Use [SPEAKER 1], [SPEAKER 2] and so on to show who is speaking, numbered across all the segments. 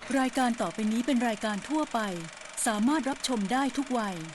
[SPEAKER 1] รายการต่อไปนี้เป็นรายการทั่วไปสามารถรับชมได้ทุกวัย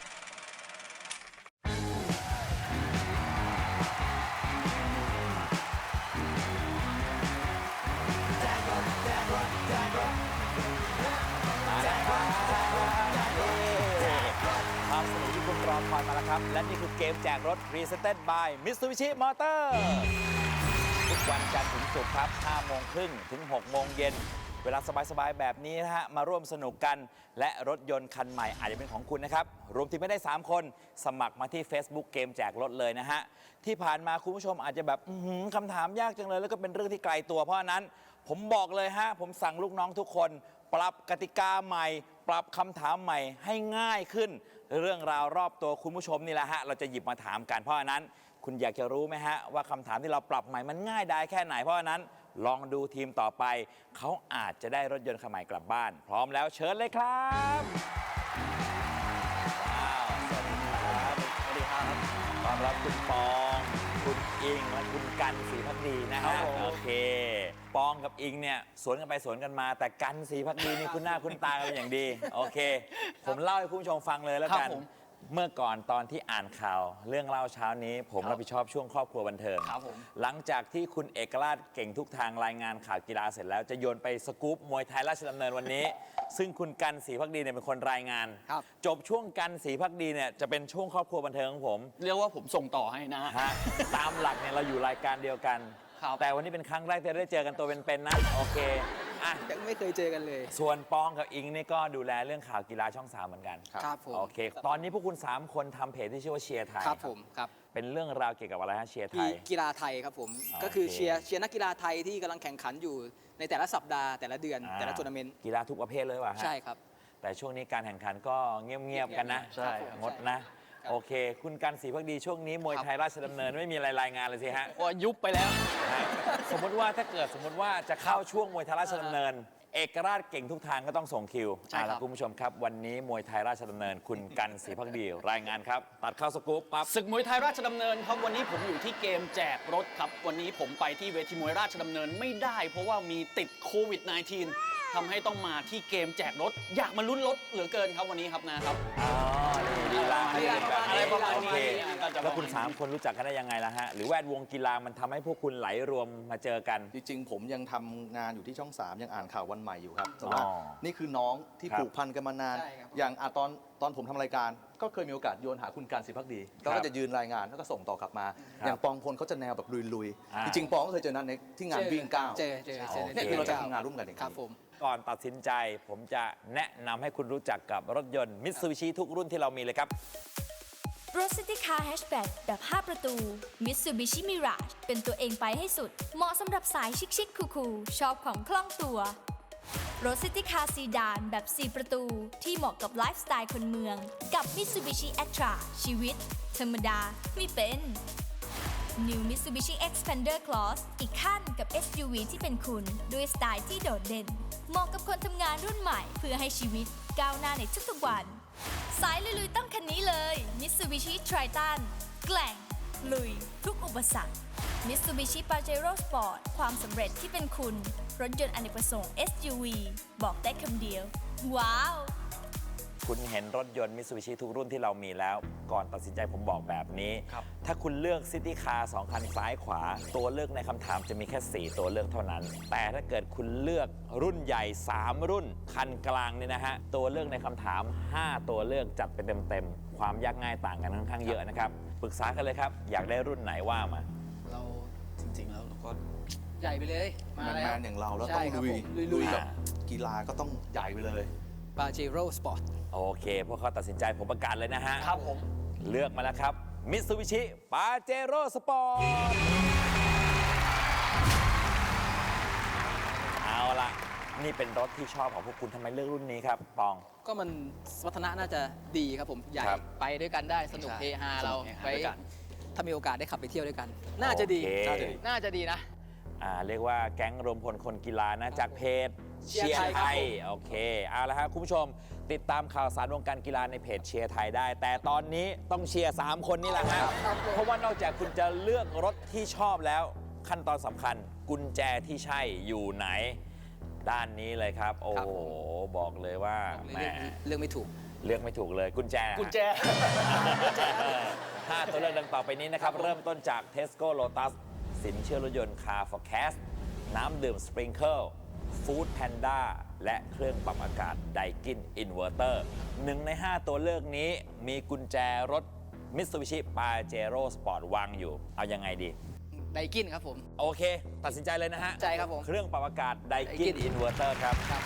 [SPEAKER 2] ความสนุกที่คุณรอคอยมาแล้วครับและนี่คือเกมแจกรถ Presented by Mitsubishi Motors ทุกวันจันทร์ถึงศุกร์ครับ 5 โมงครึ่งถึง 6 โมงเย็นเวลาสบายๆแบบนี้นะฮะมาร่วมสนุกกันและรถยนต์คันใหม่อาจจะเป็นของคุณนะครับรวมทีมไม่ได้3คนสมัครมาที่ Facebook เกมแจกรถเลยนะฮะที่ผ่านมาคุณผู้ชมอาจจะแบบคำถามยากจังเลยแล้วก็เป็นเรื่องที่ไกลตัวเพราะฉะนั้นผมบอกเลยฮะผมสั่งลูกน้องทุกคนปรับกติกาใหม่ปรับคำถามใหม่ให้ง่ายขึ้นเรื่องราวรอบตัวคุณผู้ชมนี่แหละฮะเราจะหยิบมาถามกันเพราะฉะนั้นคุณอยากจะรู้ไหมฮะว่าคำถามที่เราปรับใหม่มันง่ายได้แค่ไหนเพราะฉะนั้นลองดูทีมต่อไปเขาอาจจะได้รถยนต์คันใหม่กลับบ้านพร้อมแล้วเชิญเลยครับว้าวสวัสดีครับสวัสดีครับต้อนรับคุณปองคุณอิงและคุณกันศรีภักดีนะฮะโอเคปองกับอิงเนี่ยสวนกันไปสวนกันมาแต่กันศรีภักดีนี่คุณหน้าคุณตากันเป็นอย่างดีโอเคผมเล่าให้คุณผู้ชมฟังเลยแล้วกันเมื่อก่อนตอนที่อ่านข่าวเรื่องเล่าเช้านี้ผมรับผิดชอบช่วงครอบครัวบันเทิงหลังจากที่คุณเอกราชเก่งทุกทางรายงานข่าวกีฬาเสร็จแล้วจะโยนไปสกู๊ปมวยไทยราชดำเนินวันนี้ ซึ่งคุณกันศรีภักดีเนี่ยเป็นคนรายงานจบช่วงกันศรีภักดีเนี่ยจะเป็นช่วงครอบครัวบันเทิงของผม
[SPEAKER 3] เรียกว่าผมส่งต่อให้นะ
[SPEAKER 2] ฮะตามหลักเนี่ยเราอยู่รายการเดียวกันแต่วันนี้เป็นครั้งแรกที่ได้เจอกันตัวเป็นๆนะโอเคอ่ะ
[SPEAKER 4] ยังไม่เคยเจอกันเลย
[SPEAKER 2] ส่วนปองกับอิงนี่ก็ดูแลเรื่องข่าวกีฬาช่อง3เหมือนกัน
[SPEAKER 4] ครับผม
[SPEAKER 2] โอเคตอนนี้พวกคุณ3คนทำเพจที่ชื่อว่าเชียร์ไทย
[SPEAKER 4] ครับผมครับ
[SPEAKER 2] เป็นเรื่องราวเกี่ยวกับอะไรฮะเชียร์ไทย
[SPEAKER 4] กีฬาไทยครับผมก็คือเชียร์นักกีฬาไทยที่กำลังแข่งขันอยู่ในแต่ละสัปดาห์แต่ละเดือนแต่ละทัวร์นาเมนต์
[SPEAKER 2] กีฬาทุกประเภทเลยว่ะฮะ
[SPEAKER 4] ใช่ครับ
[SPEAKER 2] แต่ช่วงนี้การแข่งขันก็เงียบๆกันนะ
[SPEAKER 4] ใช่
[SPEAKER 2] งดนะโอเคคุณกันศรีภักดีช่วงนี้มวยไทยราชดำเนินไม่มีอะไรรายงานเลยสิฮะ
[SPEAKER 3] ว่ายุบไปแล้ว
[SPEAKER 2] สมมติว่าถ้าเกิดสมมติว่าจะเข้าช่วงมวยไทยราชดำเนินเอกราชเก่งทุกทางก็ต้องส่งคิวแล้วคุณผู้ชมครับวันนี้มวยไทยราชดำเนินคุณกันศรีภักดีรายงานครับตัดเข้าสกู๊ปปั๊บ
[SPEAKER 3] ศึกมวยไทยราชดำเนินครับวันนี้ผมอยู่ที่เกมแจกรถครับวันนี้ผมไปที่เวทีมวยราชดำเนินไม่ได้เพราะว่ามีติดโควิด -19 ทำให้ต้องมาที่เกมแจกรถอยากมาลุ้นรถเหลือเกินครับวันนี้ครับนะครับ
[SPEAKER 2] ดีละ
[SPEAKER 3] อะไรประมาณนี้
[SPEAKER 2] แล้วคุณ3คนรู้จักกันได้ยังไงล่ะฮะหรือแวดวงกีฬามันทำให้พวกคุณไหลรวมมาเจอกัน
[SPEAKER 5] จริงๆผมยังทำงานอยู่ที่ช่อง3ยังอ่านข่าววันใหม่อยู่ครับแต่ว่านี่คือน้องที่ผูกพันกันมานานอย่างตอนผมทำรายการก็เคยมีโอกาสโยนหาคุณการศรีภักดีก็จะยืนรายงานแล้วก็ส่งต่อกลับมาอย่างปองพลเขาจะแนวแบบลุยๆจริงๆปองก็เคยเจอนั้นในที่งานวิ่งก้าวเนี่ยคือเราจะทำงานร่วมกันอย่างนี้
[SPEAKER 2] ก่อนตัดสินใจผมจะแนะนำให้คุณรู้จักกับรถยนต์มิตซูบิชิทุกรุ่นที่เรามีเลยครับ
[SPEAKER 6] รถซิตี้คาร์แฮชแบ็กแบบ 5 ประตู Mitsubishi Mirage เป็นตัวเองไปให้สุดเหมาะสำหรับสายชิคๆคูลๆชอบของคล่องตัวรถซิตี้คาร์ซีดานแบบ 4 ประตูที่เหมาะกับไลฟ์สไตล์คนเมืองกับ Mitsubishi Atra ชีวิตธรรมดาไม่เป็น New Mitsubishi Xpander Cross อีกขั้นกับ SUV ที่เป็นคุณด้วยสไตล์ที่โดดเด่นเหมาะกับคนทำงานรุ่นใหม่เพื่อให้ชีวิตก้าวหน้าในทุกๆวันสายลุยๆต้องคันนี้เลย Mitsubishi Triton แกร่งลุยทุกอุปสรรค Mitsubishi Pajero Sport ความสำเร็จที่เป็นคุณรถยนต์อเนกประสงค์ SUV บอกได้คำเดียวว้าว
[SPEAKER 2] คุณเห็นรถยนต์มิตซูบิชิทุกรุ่นที่เรามีแล้วก่อนตัดสินใจผมบอกแบบนี้ถ้าคุณเลือกซิตี้คาร์2คันซ้ายขวาตัวเลือกในคำถามจะมีแค่4ตัวเลือกเท่านั้นแต่ถ้าเกิดคุณเลือกรุ่นใหญ่3รุ่นคันกลางเนี่ยนะฮะตัวเลือกในคำถาม5ตัวเลือกจัดไปเต็มๆความยากง่ายต่างกันค่อนข้างเยอะนะครับปรึกษากันเลยครับอยากได้รุ่นไหนว่ามา
[SPEAKER 4] เราจริงๆแล้วเราก็ใหญ่ไปเลย
[SPEAKER 5] แมนอย่างเราแล้วต้องลุยกับกีฬาก็ต้องใหญ่ไปเลย
[SPEAKER 4] Pajero Sport
[SPEAKER 2] โอเคพวกเขาตัดสินใจผมประกาศเลยนะฮะ
[SPEAKER 3] ครับผม
[SPEAKER 2] เลือกมาแล้วครับ Mitsubishi Pajero Sport เอาล่ะนี่เป็นรถที่ชอบของพวกคุณทำไมเลือกรุ่นนี้ครับปอง
[SPEAKER 4] ก็มันสมรรถนะน่าจะดีครับผมใหญ่ไปด้วยกันได้สนุกเฮฮาเราไปถ้ามีโอกาสได้ขับไปเที่ยวด้วยกันน่าจะดีนะ
[SPEAKER 2] เรียกว่าแก๊งรวมพลคนกีฬานะจากเพจเชียร์ไทยโอเคเอาละครับคุณผู้ชมติดตามข่าวสารวงการกีฬาในเพจเชียร์ไทยได้แต่ตอนนี้ต้องเชียร์3คนนี่แหละครับเพราะว่านอกจากคุณจะเลือกรถที่ชอบแล้วขั้นตอนสำคัญกุญแจที่ใช่อยู่ไหนด้านนี้เลยครับ โอ้
[SPEAKER 4] ครับ
[SPEAKER 2] โห
[SPEAKER 4] ผม
[SPEAKER 2] บอกเลยว่า
[SPEAKER 4] เลย
[SPEAKER 2] แหม
[SPEAKER 4] เลือกไม่ถูก
[SPEAKER 2] เลือกไม่ถูกเลยกุญแจ
[SPEAKER 3] กุญแจ
[SPEAKER 2] 5 ตัวเลือกดังต่อไปนี้นะครับ เริ่มต้นจาก Tesco Lotus สินเชื่อรถยนต์ Car Forecast น้ำดื่ม Sprinkle Food Panda และเครื่องปรับอากาศ Daikin Inverter 1 ใน 5 ตัวเลือกนี้มีกุญแจรถ Mitsubishi Pajero Sport วางอยู่ เอายังไงดี
[SPEAKER 4] ไดกินครับผม
[SPEAKER 2] โอเค ตัดสินใจเลยนะฮะ
[SPEAKER 4] ใจครับผม
[SPEAKER 2] เครื่องปรับอากาศ Daikin
[SPEAKER 4] Daikin
[SPEAKER 2] Inverter ครับ
[SPEAKER 4] ครับ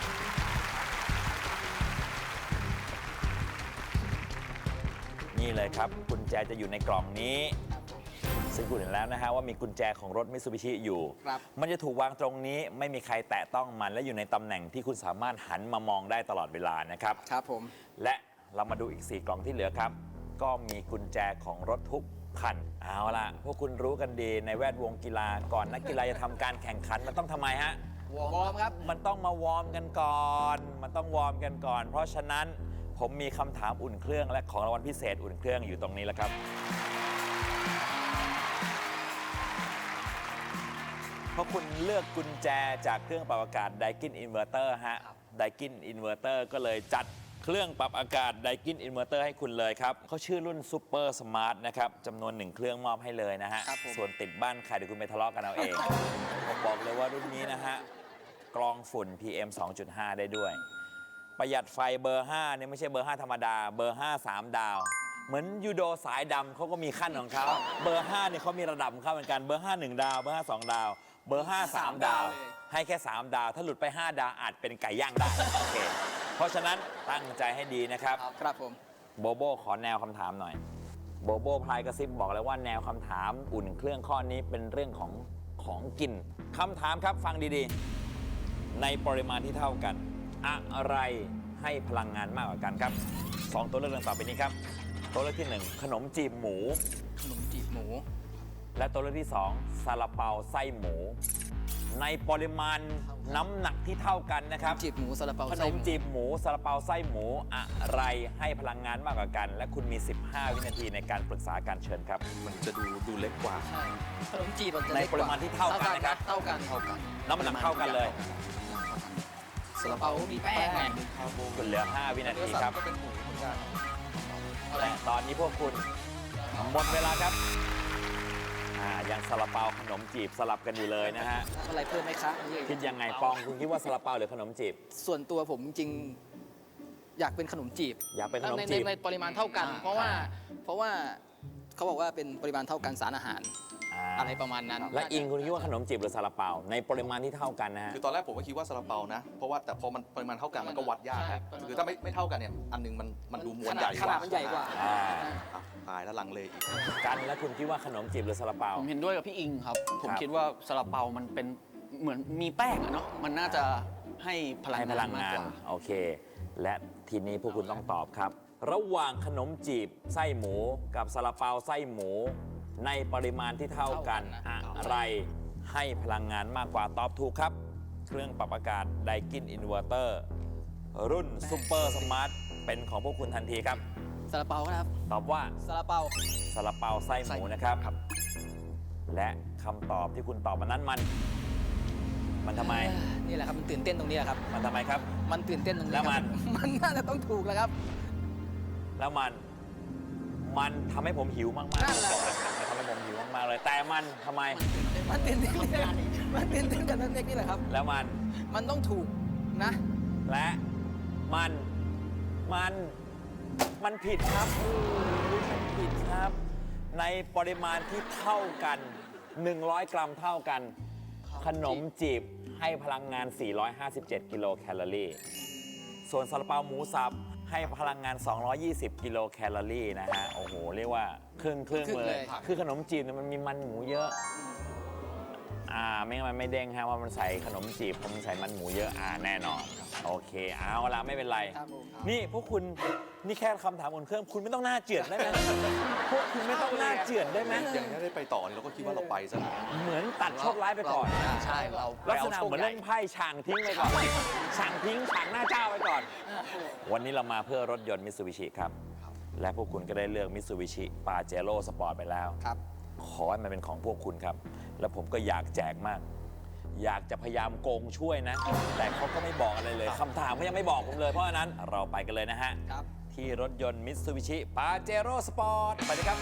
[SPEAKER 2] นี่เลยครับ กุญแจจะอยู่ในกล่องนี้ ซึ่งคุณเห็นแล้วนะฮะว่ามีกุญแจของรถมิตซูบิชิอยู่
[SPEAKER 4] ครับ
[SPEAKER 2] มันจะถูกวางตรงนี้ไม่มีใครแตะต้องมันและอยู่ในตำแหน่งที่คุณสามารถหันมามองได้ตลอดเวลานะครับ
[SPEAKER 4] ครับผม
[SPEAKER 2] และเรามาดูอีก 4 กล่องที่เหลือครับ ก็มีกุญแจของรถทุกคัน เอาล่ะ พวกคุณรู้กันดีในแวดวงกีฬาก่อนนักกีฬาจะทำการแข่งขันมันต้องทำไมฮะ
[SPEAKER 4] วอร์มครับ
[SPEAKER 2] มันต้องมาวอร์มกันก่อน มันต้องวอร์มกันก่อน เพราะฉะนั้นผมมีคำถามอุ่นเครื่องและของรางวัลพิเศษอุ่นเครื่องอยู่ตรงนี้แล้วครับ เพราะคุณเลือกกุญแจจากเครื่องปรับอากาศ Daikin Inverter ฮะ Daikin Inverter ก็เลยจัดเครื่องปรับอากาศ Daikin Inverter ให้คุณเลยครับเขาชื่อรุ่น Super Smart นะครับจำนวน 1 เครื่องมอบให้เลยนะฮะ
[SPEAKER 4] ครับผม
[SPEAKER 2] ส่วนติดบ้านใครเดี๋ยวคุณไปทะเลาะกันเอาเอง ผมบอกเลยว่ารุ่นนี้นะฮะ กรองฝุ่น PM 2.5 ได้ด้วย ประหยัดไฟเบอร์ 5 เนี่ยไม่ใช่เบอร์ 5 ธรรมดา เบอร์ 5 3 ดาว เหมือนยูโดสายดำเขาก็มีขั้นของเขา เบอร์ 5 เนี่ยเขามีระดับของเขาเหมือนกัน เบอร์ 5 1 ดาว เบอร์ 5 2 ดาว เบอร์ 5 3 ดาว ให้แค่ 3 ดาว ถ้าหลุดไป 5 ดาวอาจเป็นไก่ย่างได้ โอเค เพราะฉะนั้นตั้งใจให้ดีนะครับ
[SPEAKER 4] ครับผม
[SPEAKER 2] โบโบขอแนวคำถามหน่อย โบโบพลายกระซิบบอกเลยว่าแนวคำถามอุ่นเครื่องข้อนี้เป็นเรื่องของกินคำถามครับฟังดีๆ ในปริมาณที่เท่ากัน อะไรให้พลังงานมากกว่ากันครับ 2 ตัวเลือกดังต่อไปนี้ครับ ตัวเลือกที่ 1 ขนมจีบหมู
[SPEAKER 4] ขนมจีบหมู
[SPEAKER 2] และตัวเลือกที่ 2 ซาลาเปาไส้หมู ในปริมาณน้ำหนักที่เท่ากันนะครับ
[SPEAKER 4] จีบหมูซาลาเปา
[SPEAKER 2] ขน
[SPEAKER 4] ไส้
[SPEAKER 2] ม
[SPEAKER 4] หมู
[SPEAKER 2] จีบหมูซาลาเปาไส้หมูอะไรให้พลังงานมากกว่ากัน และคุณมี 15 วินาทีในการปรึกษาการเชิญครับ
[SPEAKER 5] มันจะดูเล็กกว่า
[SPEAKER 4] ใช่ขนมจีบมันจะ
[SPEAKER 2] ใน
[SPEAKER 4] เล็กก
[SPEAKER 2] ป
[SPEAKER 4] ว่า
[SPEAKER 2] ริมาณที่เท่ากันนะครับ
[SPEAKER 4] เท่ากันเท่ากัน
[SPEAKER 2] น้ำหนักเท่ากันเลย
[SPEAKER 4] ซาลาเปามีแป้งไง
[SPEAKER 2] คุณเหลือ 5 วินาทีครับ
[SPEAKER 5] ก็เป็นหมูเหมือนกัน
[SPEAKER 2] และตอนนี้พวกคุณหมดเวลาครับยังซาลาเปาขนมจีบสลับกันอยู่เลยนะฮะ
[SPEAKER 4] อะไรเพิ่มไหมคะ
[SPEAKER 2] คิดยังไงปองคุณคิดว่าซาลาเปาหรือขนมจีบ
[SPEAKER 4] ส่วนตัวผมจริงๆอยากเป็นขนมจีบ
[SPEAKER 2] อยากเป็นขนม
[SPEAKER 4] ใน
[SPEAKER 2] จีบ
[SPEAKER 4] ในปริมาณเท่ากัน เพราะว่าเขาบอกว่าเป็นปริมาณเท่ากันสารอาหาร อะไรประมาณนั้น
[SPEAKER 2] และอิงคุณคิดว่าขนมจีบหรือซาลาเปาในปริมาณที่เท่ากันนะฮะ
[SPEAKER 5] คือตอนแรกผมก็คิดว่าซาลาเปานะ เพราะว่าแต่พอมันปริมาณเท่ากันมันก็วัดยากครับ
[SPEAKER 4] ใช่
[SPEAKER 5] คือถ้าไม่เท่ากันเนี่ย อันหนึงมันดูมวลใหญ่
[SPEAKER 4] ขนาดมันใหญ่กว่า
[SPEAKER 2] อ่า
[SPEAKER 5] อ่ะตายแล้วลังเลอีก
[SPEAKER 2] กันแล้วคุณคิดว่าขนมจีบหรือซาลาเปา
[SPEAKER 3] ผมเห็นด้วยกับพี่อิงครับ ผม
[SPEAKER 2] ครับ
[SPEAKER 3] คิดว่าซาลาเปามันเป็นเหมือนมีแป้งอะเนาะ มันน่าจะให้พลัง
[SPEAKER 2] ให้พ
[SPEAKER 3] งา
[SPEAKER 2] ลั
[SPEAKER 3] น
[SPEAKER 2] ง
[SPEAKER 3] มาก
[SPEAKER 2] งาก น
[SPEAKER 3] ว่า
[SPEAKER 2] โอเค และทีนี้พวกคุณต้องตอบครับ ระหว่างขนมจีบไส้หมูกับซาลาเปาไส้หมู ในปริมาณที่เท่ากัน
[SPEAKER 4] เท่ากันนะ
[SPEAKER 2] อะไรให้พลังงานมากกว่าตอบถูกครับ เครื่องปรับอากาศ Daikin Inverter รุ่น Super Smart เป็นของพวกคุณทันทีครับ
[SPEAKER 4] ซาลาเปาครับ
[SPEAKER 2] ตอบว่า
[SPEAKER 4] ซาลาเปา
[SPEAKER 2] ซาลาเปาไส้หมูนะครับ และคำตอบที่คุณตอบมานั้นมันทำไม
[SPEAKER 4] นี่แหละครับมันตื่นเต้นตรงนี้แหละครับ
[SPEAKER 2] มันทำไมครับ
[SPEAKER 4] มันตื่นเต้นตรงนี้
[SPEAKER 2] แล้วมัน
[SPEAKER 4] ครับมันน่าจะต้องถูกแล้วครับ
[SPEAKER 2] แล้วมันทำให้ผมหิวมากๆ
[SPEAKER 4] นั่นแหละ
[SPEAKER 2] ผมบอกเลยมันทำให้ผมหิวมากๆเลย แต่มันทำไม
[SPEAKER 4] มันตื่นเต้นมันตื่นเต้นกับนักเด็กนี่แหละครับ
[SPEAKER 2] แล้ว
[SPEAKER 4] มันต้องถูกนะ
[SPEAKER 2] และมันผิดครับมันผิดครับ ในปริมาณที่เท่ากัน 100 กรัมเท่ากัน ขนมจีบให้พลังงาน 457 กิโลแคลอรี่ ส่วนซาลาเปาหมูสับให้พลังงาน 220 กิโลแคลอรี่นะฮะ โอ้โห เรียกว่าครึ่ง
[SPEAKER 4] ครึ่ง
[SPEAKER 2] เล
[SPEAKER 4] เลย ย
[SPEAKER 2] คือขนมจีบเนี่ยมันมีมันหมูเยอะ ไม่งั้นมันไม่เด้งฮะว่ามันใส่ขนมจีบเพราะมันใส่มันหมูเยอะ แน่นอน โอเค เอาละไม่เป็นไร
[SPEAKER 4] ครับผม
[SPEAKER 2] นี่พวกคุณนี่แค่คำถามอุ่นเครื่อง คุณไม่ต้องหน้าเจือดได้ไหม พวกคุณไม่ต้องหน้าเจือดได้ไหม
[SPEAKER 5] อย่างนี้ได้ไปต่อนี่เราก็คิดว่าเราไปซะแล้ว
[SPEAKER 2] เหมือนตัดโชคร้ายไปก่อน
[SPEAKER 3] ใช่เรา
[SPEAKER 2] ลักษณะเหมือนเล่นไพ่ฉ่างทิ้งไปก่อนฉ่างทิ้งฉ่างหน้าเจ้าไปก่อน วันนี้เรามาเพื่อรถยนต์มิตซูบิชิครับ และพวกคุณก็ได้เลือกมิตซูบิชิปาเจโร่สปอร์ตไปแล้ว
[SPEAKER 4] ครับ
[SPEAKER 2] ขอให้มันเป็นของพวกคุณครับ แล้วผมก็อยากแจกมากอยากจะพยายามโกงช่วยนะ แต่เขาก็ไม่บอกอะไรเลยคำถามเขายังไม่บอกผมเลย เพราะฉะนั้นเราไปกันเลยนะฮะ
[SPEAKER 4] ครับ
[SPEAKER 2] ที่รถยนต์ Mitsubishi Pajero Sport ไปเลยครับ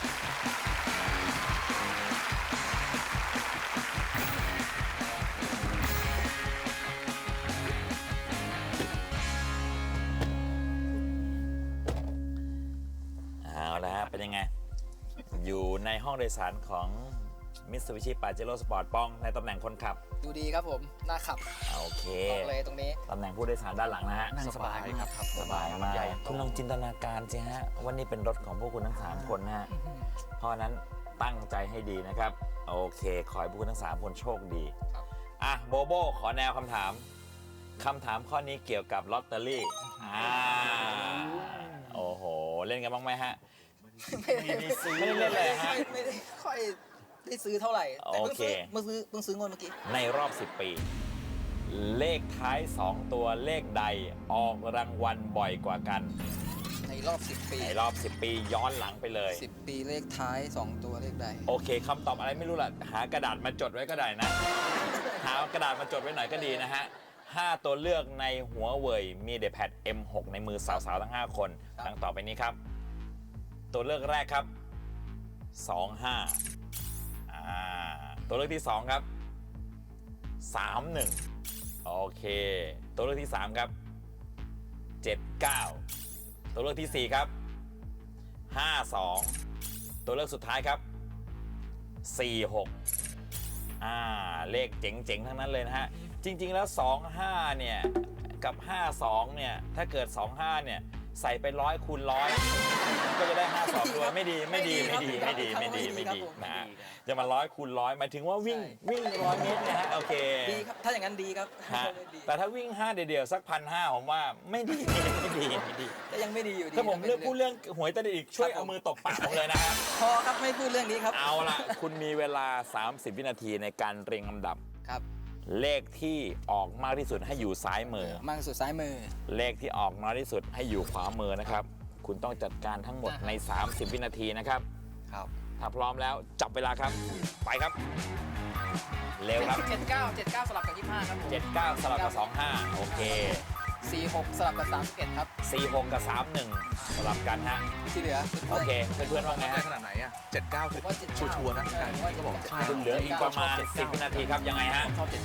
[SPEAKER 2] เอาละฮะเป็นยังไง อยู่ในห้องโดยสารของ Mitsubishi Pajero Sport ป้องในตำแหน่งคนขับ
[SPEAKER 4] ดูดีครับผมน่าขับ
[SPEAKER 2] โอเค
[SPEAKER 4] บอกเลยตรงนี้
[SPEAKER 2] ตำแหน่งผู้โดยสารด้านหลังนะฮะ
[SPEAKER 3] นั่งสบายมากครับ
[SPEAKER 2] สบายมากคุณลองจินตนาการสิฮะว่านี่เป็นรถของพวกคุณทั้ง 3 คนนะฮะ เพราะฉะนั้นตั้งใจให้ดีนะครับ โอเค ขอให้พวกคุณทั้ง 3 คนโชคดี
[SPEAKER 4] ครับ
[SPEAKER 2] อ่ะ โบโบขอแนวคำถาม คำถามข้อนี้เกี่ยวกับลอตเตอรี่โอ้โห เล่นกันบ้างไหมฮะ ไม่ได้เล่นเลยฮะ
[SPEAKER 4] ไม่ได้ค่อยได้ซื้อเท่าไหร่แต่
[SPEAKER 2] โอเค
[SPEAKER 4] เพิ่งซื้องวดเมื่อกี้
[SPEAKER 2] ในรอบ 10 ปี เลขท้าย 2 ตัวเลขใดออกรางวัลบ่อยกว่ากัน
[SPEAKER 4] ในรอบ 10 ปี
[SPEAKER 2] ในรอบ 10 ปีย้อนหลังไปเลย
[SPEAKER 4] 10 ปีเลขท้าย 2 ตัวเลขใด
[SPEAKER 2] โอเคคำตอบอะไรไม่รู้ล่ะ หากระดาษมาจดไว้ก็ได้นะ หากระดาษมาจดไว้หน่อยก็ดีนะฮะ 5 ตัวเลือกในหัวเว่ยมีเดแพด M6 ในมือสาวๆ ทั้ง 5 คนดังต่อไปนี้ครับ ตัวเลือกแรกครับ 25ตัวเลือกที่ 2 ครับ 31 โอเค ตัวเลือกที่ 3 ครับ 79 ตัวเลือกที่ 4 ครับ 52 ตัวเลือกสุดท้ายครับ 46 เลขเจ๋งๆ ทั้งนั้นเลยนะฮะ จริงๆ แล้ว 25 เนี่ย กับ 52 เนี่ย ถ้าเกิด 25 เนี่ย ใส่ไป100 คูณ 100 ก็จะได้ 52 ด้วย ไม่ดีนะฮะ จะมา100 คูณ 100 หมายถึงว่าวิ่ง 100 เมตรนะฮะ โอเค
[SPEAKER 4] ดีครับ ถ้าอย่างนั้นดีครับ
[SPEAKER 2] ฮะ
[SPEAKER 4] ดี
[SPEAKER 2] แต่ถ้าวิ่ง 5 เดียวๆ สัก 1,500 ผมว่าไม่ดี
[SPEAKER 4] ก็ยังไม่ดีอยู่ดี
[SPEAKER 2] ถ้าผมเลือกพูดเรื่องหวยใต้ดินอีกช่วยเอามือตบปากผมเลยนะฮะ
[SPEAKER 4] พอครับไม่พูดเรื่องนี้ครับ
[SPEAKER 2] เอาล่ะ คุณมีเวลา 30 วินาทีในการเรียงลำดับ
[SPEAKER 4] ครับ
[SPEAKER 2] เลขที่ออกมากที่สุดให้อยู่ซ้ายมือ
[SPEAKER 4] มากที่สุดซ้ายมือ
[SPEAKER 2] เลขที่ออกน้อยที่สุดให้อยู่ขวามือนะครับ คุณต้องจัดการทั้งหมดใน 30 วินาทีนะครับ
[SPEAKER 3] ครับ
[SPEAKER 2] ถ้าพร้อมแล้วจับเวลาครับ ไปครับ เร็วครับ
[SPEAKER 4] 79สลับกับ25ครับผม
[SPEAKER 2] 79 สลับกับ 25 โอเค
[SPEAKER 4] 46สลับกับ31ครับ
[SPEAKER 2] 46 กับ 31 สลับกันฮะ
[SPEAKER 4] ที่เหลือ
[SPEAKER 2] โอเค เพื่อนๆว่าไง
[SPEAKER 5] ได้
[SPEAKER 2] ฮะ
[SPEAKER 5] ขนาดไหนอ่ะ79
[SPEAKER 4] ผมว่า79
[SPEAKER 5] ชัวร์ๆนะ
[SPEAKER 4] ก็บอกใช่
[SPEAKER 2] คุณเหลืออีกประมาณ 10 วินาทีครับ ยังไงฮะ
[SPEAKER 4] ชอบ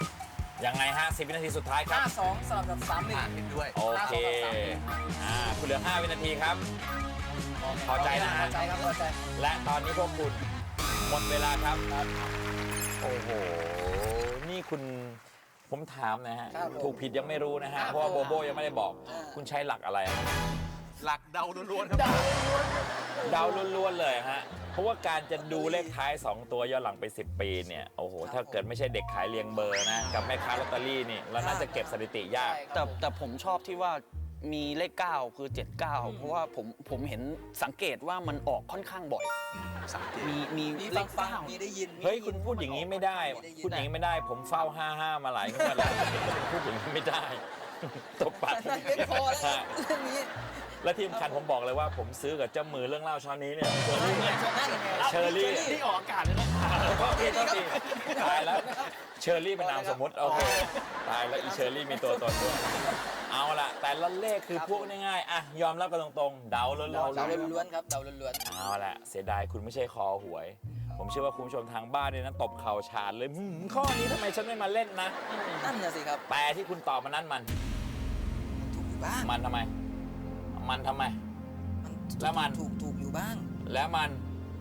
[SPEAKER 4] 79
[SPEAKER 2] ยังไงฮะ 10 วินาทีสุดท้ายครับ
[SPEAKER 4] 52สลับกับ31
[SPEAKER 5] เห็นด้วย
[SPEAKER 2] โอเค คุณเหลือ 5 วินาทีครับ พอใจนะฮะ
[SPEAKER 4] พอใจครับพอใจ
[SPEAKER 2] และตอนนี้พวกคุณหมดเวลาครับ โอ้โห นี่คุณผมถามนะฮะ
[SPEAKER 4] ครับผม
[SPEAKER 2] ถูกผิดยังไม่รู้นะฮะ
[SPEAKER 4] ครับ
[SPEAKER 2] เพราะว่าโบโบยังไม่ได้บอก คุณใช้หลักอะไรอะ
[SPEAKER 5] หลักเดาล้วนๆครับ
[SPEAKER 2] เดาล้วนๆเลยฮะ เพราะว่าการจะดูเลขท้าย 2 ตัวย้อนหลังไป 10 ปีเนี่ย โอ้โห ถ้าเกิดไม่ใช่เด็กขายเรียงเบอร์นะ กับแม่ค้าลอตเตอรี่นี่เราน่าจะเก็บสถิติยาก
[SPEAKER 3] แต่ผมชอบที่ว่ามีเลข 9 คือ 79 เพราะว่าผมเห็นสังเกตว่ามันออกค่อนข้างบ่อย
[SPEAKER 5] สังเกต
[SPEAKER 3] มี
[SPEAKER 4] มี
[SPEAKER 3] เล
[SPEAKER 4] ฟัง
[SPEAKER 3] ข
[SPEAKER 4] ฟัง
[SPEAKER 3] 9
[SPEAKER 4] มีได้ยิน
[SPEAKER 2] เฮ้ย คุณพูดอย่างนี้ไม่ได้ พูดอย่างนี้ไม่ได้ ผมเฝ้า 55 มาหลายงวดแล้วพูดอย่างนี้ไม่ได้ ตบปาก
[SPEAKER 4] นั่นเป็นพอแล้วครับเรื่องนี้
[SPEAKER 2] และที่สำคัญผมบอกเลยว่าผมซื้อกับเจ้ามือเรื่องเล่าเช้านี้เนี่ยเชอรี่เนี่ย เชอรี่
[SPEAKER 3] ที่ออกอากาศเลยนะ
[SPEAKER 2] โทษทีตายแล้วเชอรี่เป็นนามสมมติโอเคตายแล้วอีเชอรี่มีตัวตนด้วยเอาล่ะ แต่ละเลขคือพวกง่ายๆอ่ะยอมรับกันตรงๆเดาล้วน
[SPEAKER 4] เดาล้วนๆครับเดาล้วน
[SPEAKER 2] เอาล่ะเสียดายคุณไม่ใช่คอหวย ผมเชื่อว่าคุณผู้ชมทางบ้านเนี่ยนะตบเข่าฉาดเลยข้อนี้ทำไมฉันไม่มาเล่นนะ
[SPEAKER 4] ๆนั่นน่ะสิครับ
[SPEAKER 2] แต่ที่คุณตอบมานั้นมัน
[SPEAKER 4] ถูกอยู่บ้าง
[SPEAKER 2] มันทำไม มันทำไม แล้วมัน
[SPEAKER 4] ถูกอยู่บ้าง
[SPEAKER 2] แล้วมัน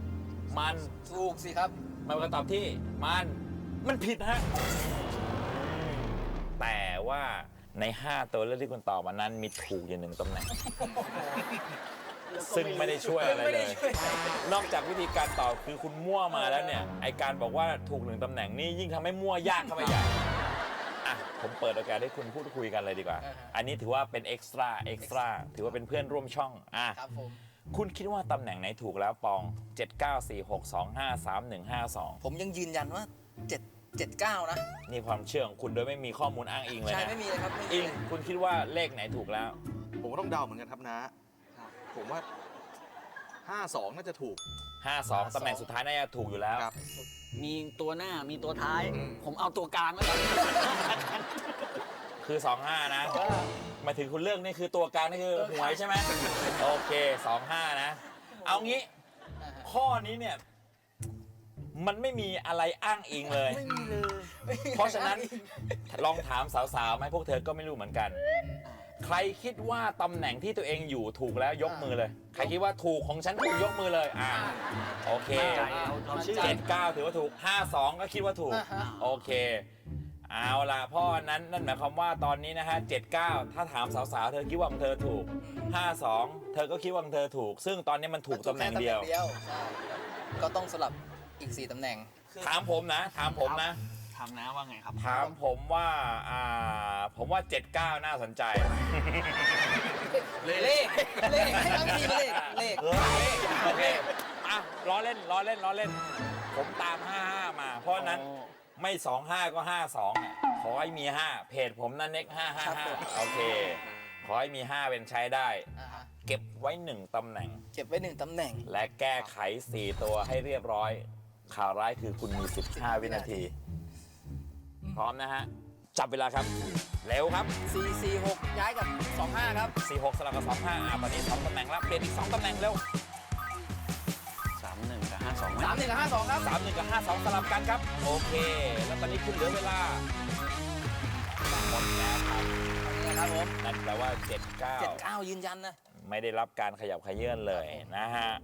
[SPEAKER 4] ถูกสิครับ
[SPEAKER 2] มันเป็นคำตอบที่มันผิดฮะ แต่ว่าใน 5 ตัวเลือกที่คุณตอบมานั้นมีถูกอยู่1 ตำแหน่ง ซึ่งไม่ได้ช่วยอะไรเลย นอกจากวิธีการตอบคือคุณมั่วมาแล้วเนี่ย ไอการบอกว่าถูก1 ตำแหน่งนี่ยิ่งทำให้มั่วยากเข้าไปใหญ่อ่ะผมเปิดโอกาสให้คุณพูดคุยกันเลยดีกว่า อันนี้ถือว่าเป็นเอ็กซ์ตร้าถือว่าเป็นเพื่อนร่วมช่องอ่ะ
[SPEAKER 4] ครับผม
[SPEAKER 2] คุณคิดว่าตำแหน่งไหนถูกแล้วปอง 7946253152
[SPEAKER 4] ผมยังยืนยันว่า79นะ
[SPEAKER 2] นี่ความเชื่อของคุณโดยไม่มีข้อมูลอ้างอิงเลย
[SPEAKER 4] ใช่
[SPEAKER 2] นะ
[SPEAKER 4] ไม่มีเลยครับไม่มี
[SPEAKER 2] อิง
[SPEAKER 4] เลย
[SPEAKER 2] คุณคิดว่าเลขไหนถูกแล้ว
[SPEAKER 5] ผมก็ต้องเดาเหมือนกันครับนะ ผมว่า 52 น่าจะถูก
[SPEAKER 2] 52 ตำแหน่งสุดท้ายน่าจะถูกอยู่แล้ว
[SPEAKER 5] ครับ
[SPEAKER 3] มีตัวหน้ามีตัวท้าย ผมเอาตัวกลางแล้วกัน
[SPEAKER 2] คือ 25 นะหมายถึงคุณเลือกนี่คือตัวกลางนี่คือหวยใช่ไหมโอเค 25 นะ เอางี้ข้อนี้เนี่ยมันไม่มีอะไรอ้างอิงเลย
[SPEAKER 3] ไม่มีเลย
[SPEAKER 2] เพราะฉะนั้นลองถามสาวๆไหมพวกเธอก็ไม่รู้เหมือนกัน ใครคิดว่าตำแหน่งที่ตัวเองอยู่ถูกแล้วยกมือเลย ใครคิดว่าถูกของฉันถูกยกมือเลยโอเค
[SPEAKER 3] เราชื่อ
[SPEAKER 2] 79 ถือว่าถูก 52 ก็คิดว่าถูก โอเค เอาล่ะเพราะนั่นหมายความว่าตอนนี้นะฮะ 79 ถ้าถามสาวๆ เธอคิดว่าของเธอถูก 52 เธอก็คิดว่าของเธอถูก ซึ่งตอนนี้มันถูกตำแหน่งเดียว
[SPEAKER 4] ใช่ก็ต้องสลับอีก 4 ตำแหน่ง
[SPEAKER 2] ถามผมนะ ถามผมนะ
[SPEAKER 3] ถามนะว่าไงครับ
[SPEAKER 2] ถามผมว่าผมว่า 79 น่าสนใจ
[SPEAKER 4] เลขให้ทั้งทีมเลข
[SPEAKER 2] โอเคล้อเล่น ผมตาม 55 มา เพราะฉะนั้นไม่ 25 ก็ 52 ขอให้มี 5 เพจผมนั่นเน็ก 555 โอเค ขอให้มี 5 เป็นใช้ได้ เก็บไว้ 1 ตำแหน่ง
[SPEAKER 4] เก็บไว้ 1 ตำแหน่ง
[SPEAKER 2] และแก้ไข 4 ตัวให้เรียบร้อย ข่าวร้ายคือคุณมี 15 วินาที พร้อมนะฮะ จับเวลาครับ เร็วครับ
[SPEAKER 4] 446 ย้ายกับ 25 ครับ
[SPEAKER 2] 46 สลับกับ 25 ตอนนี้ 2 ตำแหน่งแล้ว เปลี่ยนอีก 2 ตำแหน่งเร็ว
[SPEAKER 3] 31 กับ 52ไหม
[SPEAKER 4] 31 กับ 52 ครับ
[SPEAKER 2] 31 กับ 52 สลับกันครับ โอเค แล้วตอนนี้คุณเหลือเวลาหมดแล้วครับ
[SPEAKER 4] นะครับผม
[SPEAKER 2] นั่นแปลว่า
[SPEAKER 4] 79 ยืนยันนะ
[SPEAKER 2] 79 ไม่ได้รับการขยับขยื่นเลยนะฮะ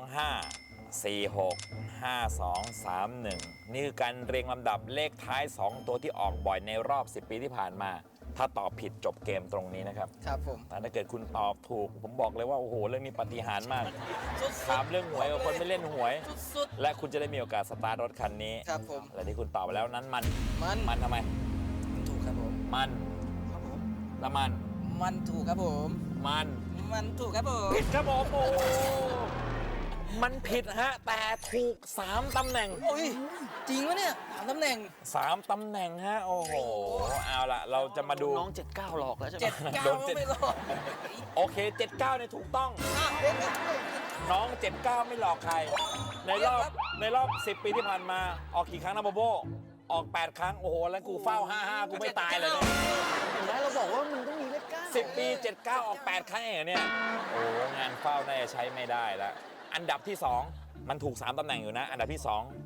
[SPEAKER 2] 25 46 52 31 นี่คือการเรียงลำดับเลขท้าย 2 ตัวที่ออกบ่อยในรอบ 10 ปีที่ผ่านมา ถ้าตอบผิดจบเกมตรงนี้นะครับ
[SPEAKER 4] ครับผม
[SPEAKER 2] แต่ถ้าเกิดคุณตอบถูก ผมบอกเลยว่า โอ้โห เรื่องนี้ปาฏิหาริย์มาก
[SPEAKER 4] สุด
[SPEAKER 2] ถามเรื่องหวยกับคนไม่เล่นหวย
[SPEAKER 4] สุด
[SPEAKER 2] และคุณจะได้มีโอกาสสตาร์ทรถคันนี้
[SPEAKER 4] ครับผม
[SPEAKER 2] และที่คุณตอบไปแล้วนั้นมัน
[SPEAKER 4] มัน
[SPEAKER 2] ทำไม
[SPEAKER 4] ถูกครับผม
[SPEAKER 2] มันแล้วมัน
[SPEAKER 4] มันถูกครับผม
[SPEAKER 2] มัน
[SPEAKER 4] ถูกครับผม
[SPEAKER 2] ผิดครับผมโอ้มันผิดฮะ แต่ถูก 3 ตำแหน่ง
[SPEAKER 4] โอ้ย จริงวะเนี่ย3 ตำแหน่ง
[SPEAKER 2] 3 ตำแหน่งฮะ โอ้โห เอาล่ะ เราจะมาดู
[SPEAKER 3] น้อง 79 หลอกแล้วใช่ไหม
[SPEAKER 4] 79
[SPEAKER 2] โดน
[SPEAKER 4] ก็ไม่รอด
[SPEAKER 2] โอเค 79เนี่ยถูกต้อง น้อง 79 ไม่หลอกใคร ในรอบ 10 ปีที่ผ่านมา ออกกี่ครั้งนะโบโบ ออก 8 ครั้ง โอ้โห แล้วกูเฝ้า 55 กูไม่ตายเลยเนี่ย
[SPEAKER 3] เห็นไหมเราบอกว่ามันต้องมีเลข 9
[SPEAKER 2] 10 ปี 79 ออก 8 ครั้งเองเหรอเนี่ย โอ้งานเฝ้าน่าจะใช้ไม่ได้แล้ว อันดับที่ 2 มันถูก 3 ตำแหน่งอยู่นะ อันดับที่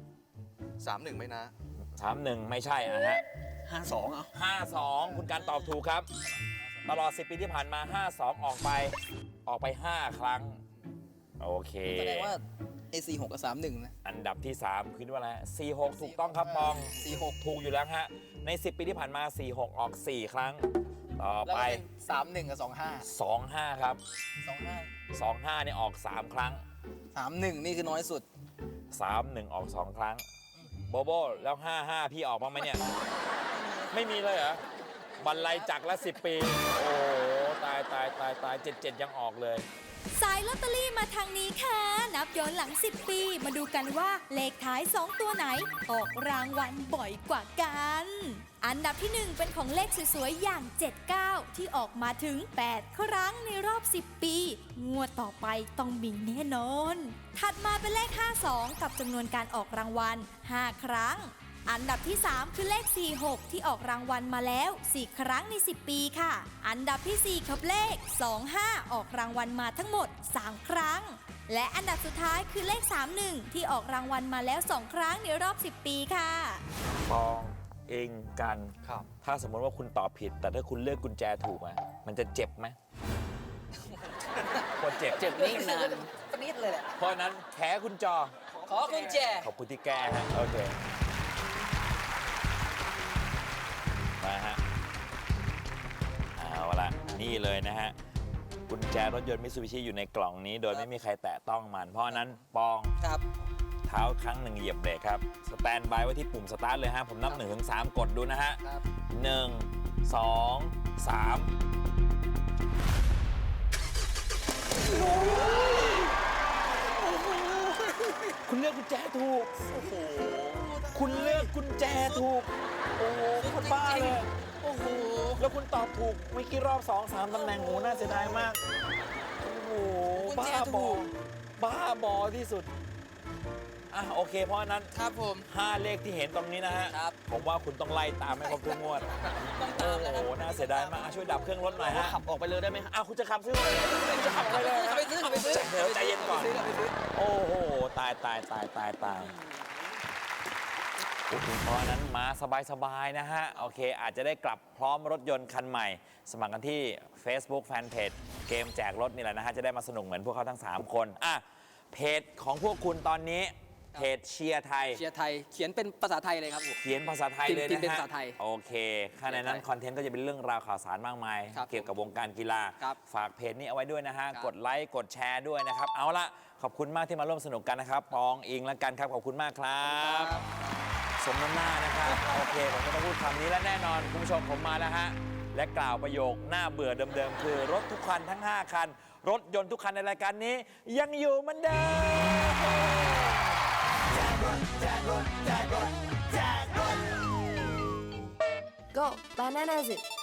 [SPEAKER 5] 31 ไม่นะ
[SPEAKER 2] 2 31 ไม่ใช่อะฮะ
[SPEAKER 3] 52เอา
[SPEAKER 2] 52 คุณการตอบถูกครับ ตลอด 10 ปีที่ผ่านมา 52 ออกไป 5 ครั้ง โอเค
[SPEAKER 4] แสดงว่าไอ้46 กับ 31 นะ
[SPEAKER 2] อันดับที่ 3 คือว่าอะไร46 ถูกต้องครับปอง 46 ถูกอยู่แล้วฮะ ใน 10 ปีที่ผ่านมา 46 ออก 4 ครั้ง ต่อ
[SPEAKER 4] แล้ว
[SPEAKER 2] ไป
[SPEAKER 4] ก็เป็น31 กับ
[SPEAKER 2] 25 ครับ
[SPEAKER 4] 25
[SPEAKER 2] 25เนี่ยออก 3 ครั้ง
[SPEAKER 4] 31 นี่คือน้อยสุด
[SPEAKER 2] 31 ออก 2 ครั้ง โบโบ แล้ว 55 พี่ออกบ้างไหมเนี่ย ไม่มีเลยเหรอ บรรลัยจักรละ 10 ปี โอ้โหตาย 77 ยังออกเลย
[SPEAKER 6] สายลอตเตอรี่มาทางนี้ค่ะ นับย้อนหลัง 10 ปี มาดูกันว่าเลขท้าย 2 ตัวไหน ออกรางวัลบ่อยกว่ากัน อันดับที่ 1 เป็นของเลขสวยๆ อย่าง 79 ที่ออกมาถึง 8 ครั้งในรอบ 10 ปี งวดต่อไปต้องมีแน่นอน ถัดมาเป็นเลข 52 กับจำนวนการออกรางวัล 5 ครั้ง อันดับที่ 3 คือเลข 46 ที่ออกรางวัลมาแล้ว 4 ครั้งใน 10 ปีค่ะ อันดับที่ 4 ครับเลข 25 ออกรางวัลมาทั้งหมด 3 ครั้ง และอันดับสุดท้ายคือเลข 31 ที่ออกรางวัลมาแล้ว 2 ครั้งในรอบ 10 ปีค่ะ
[SPEAKER 2] ปองเองกัน
[SPEAKER 5] ครับ
[SPEAKER 2] ถ้าสมมติว่าคุณตอบผิด แต่ถ้าคุณเลือกกุญแจถูกอะมันจะเจ็บไหมควรเจ็บ
[SPEAKER 3] เจ็บนิ่งนาน
[SPEAKER 4] ปนิดเลยแหละ
[SPEAKER 2] เพราะฉะนั้นแขคุณจอ
[SPEAKER 4] ขอกุญแจ
[SPEAKER 2] ขอบคุณที่แก้ฮะ โอเค มาฮะ เอาละนี่เลยนะฮะ กุญแจรถยนต์มิตซูบิชิอยู่ในกล่องนี้ โดยไม่มีใครแตะต้องมัน เพราะฉะนั้นปอง
[SPEAKER 4] ครับ
[SPEAKER 2] เท้าครั้งหนึ่งเหยียบเบรกครับ สแตนบายไว้ที่ปุ่มสตาร์ทเลยฮะ ผมนับ 1-3 กดดูนะฮะ
[SPEAKER 4] ครับ
[SPEAKER 2] 1 2 3 คุณเลือกกุญแจถูก คุณเลือกกุญแจถูก โอ้โหโคนบ้าเลย
[SPEAKER 4] โอ้โห
[SPEAKER 2] แล้วคุณตอบถูกเมื่อกี้รอบ 2-3 ตำแหน่งโหน่าเสียดายมาก โอ้โห
[SPEAKER 4] กุญ
[SPEAKER 2] บ้า
[SPEAKER 4] แจ
[SPEAKER 2] บ
[SPEAKER 4] ถู
[SPEAKER 2] อก บ้าบอที่สุดโอเค เพราะฉะนั้น
[SPEAKER 4] ครับผม
[SPEAKER 2] 5 เลขที่เห็นตรงนี้นะฮะ
[SPEAKER 4] ครับ
[SPEAKER 2] ผมว่าคุณต้องไล่ตามให้ครบทุกงวด
[SPEAKER 4] ต้องตามแล้ว
[SPEAKER 2] โอ้
[SPEAKER 4] ค
[SPEAKER 2] โห
[SPEAKER 4] รับ
[SPEAKER 2] น่าเสียดายมากช่วยดับเครื่องรถหน่อยฮะ
[SPEAKER 3] ขับออกไปเลยได้ไหมฮะ
[SPEAKER 2] คุณจะขับซื้อเลยจะขับไปเลย
[SPEAKER 4] ขับไปซื้อขับไปซื้อ
[SPEAKER 2] เดี๋ยวใจเย็นก่อน
[SPEAKER 4] ขับไปซื้อ
[SPEAKER 2] โอ้โห ตายเพราะฉะนั้นมาสบายๆนะฮะ โอเค อาจจะได้กลับพร้อมรถยนต์คันใหม่ สมัครกันที่ Facebook Fanpage เกมแจกรถนี่แหละนะฮะ จะได้มาสนุกเหมือนพวกเขาทั้ง 3 คนเพจของพวกคุณตอนนี้เพจเชียร์ไทย
[SPEAKER 4] เชียร์ไทยเขียนเป็นภาษาไทยเลยครับผม
[SPEAKER 2] เขียนภาษาไทยเลย
[SPEAKER 4] พิม
[SPEAKER 2] นะ
[SPEAKER 4] พ์เป็น
[SPEAKER 2] ฮะ
[SPEAKER 4] ภาษาไทย
[SPEAKER 2] โอเคข้างในนั้นคอนเทนต์ก็จะเป็นเรื่องราวข่าวสารมากมาย
[SPEAKER 4] ครับ
[SPEAKER 2] เกี่ยวกับวงการกีฬา
[SPEAKER 4] ครับ
[SPEAKER 2] ฝากเพจนี้เอาไว้ด้วยนะฮะ
[SPEAKER 4] ครับ
[SPEAKER 2] กดไลค์กดแชร์ด้วยนะครับ เอาละขอบคุณมากที่มาร่วมสนุกกันนะครับปองอิงและกันครับขอบคุณมากครับ สมน้ำหน้านะครับ โอเค ผมก็ต้องพูดคำนี้และแน่นอน คุณผู้ชมผมมาแล้วฮะ และกล่าวประโยคหน้าเบื่อเดิมๆ คือรถทุกคันทั้ง 5 คัน รถยนต์ทุกคันในรายการนี้ ยังอยู่เหมือนเดิม
[SPEAKER 6] Go Bananas it